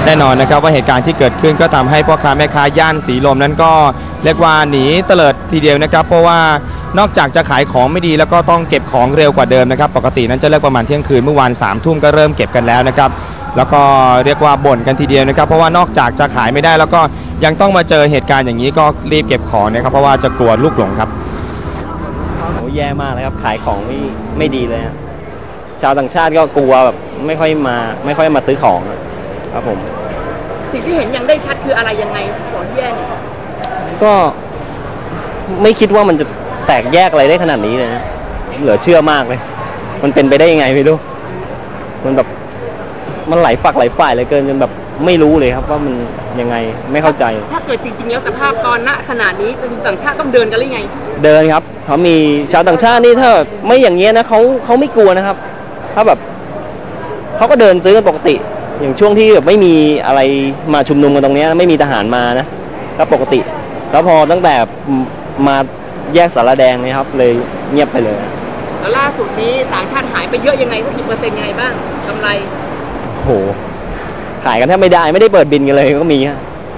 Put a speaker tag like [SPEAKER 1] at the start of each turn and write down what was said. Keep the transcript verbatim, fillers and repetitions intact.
[SPEAKER 1] แน่นอนนะครับว่าเหตุการณ์ที่เกิดขึ้นก็ทำให้พ่อค้าแม่ค้าย่านสีลมนั้นก็เรียกว่าหนีเตลิดทีเดียวนะครับเพราะว่านอกจากจะขายของไม่ดีแล้วก็ต้องเก็บของเร็วกว่าเดิมนะครับปกตินั้นจะเลิกประมาณเที่ยงคืนเมื่อวานสามทุ่มก็เริ่มเก็บกันแล้วนะครับแล้วก็เรียกว่าบ่นกันทีเดียวนะครับเพราะว่านอกจากจะขายไม่ได้แล้วก็ยังต้องมาเจอเหตุการณ์อย่างนี้ก็รีบเก็บของนะครับเพราะว่าจะกลัวลูกหลงครับ
[SPEAKER 2] โอ้แย่มากเลยครับขายของไม่ไม่ดีเลยชาวต่างชาติก็กลัวแบบไม่ค่อยมาไม่ค่อยมาซื้อของครับผม
[SPEAKER 3] สิ่งที่เห็นยังได้ชัดคืออะไรยังไงของแย่เนี่ย
[SPEAKER 2] ก็ไม่คิดว่ามันจะแตกแยกอะไรได้ขนาดนี้เลยนะเหลือเชื่อมากเลยมันเป็นไปได้ยังไงไม่รู้มันแบบมันไหลฝักไหลฝ่ายเลยเกินจนแบบไม่รู้เลยครับว่ามันยังไงไม่เข้าใจ
[SPEAKER 3] ถ้าเกิดจริงๆแล้วสภาพตอนณขนาดนี้ต่างชาติต้องเดินกันหรือไง
[SPEAKER 2] เดินครับเขามีชาวต่างชาตินี่ถ้าไม่อย่างเงี้ยนะเขาเขาไม่กลัวนะครับถ้าแบบเขาก็เดินซื้อกันปกติอย่างช่วงที่แบบไม่มีอะไรมาชุมนุมกันตรงนี้ไม่มีทหารมานะก็ปกติแล้วพอตั้งแต่มาแยกสารแดงนี่ครับเลยเงียบไปเลย
[SPEAKER 3] แล้วล่าสุดนี้ต่างชาติหายไปเยอะยังไงสักกี่เปอร์เซ็นต์ยังไงบ้างกำไร
[SPEAKER 2] โหขายกันแทบไม่ได้ไม่ได้เปิดบินกันเลยก็มีฮะ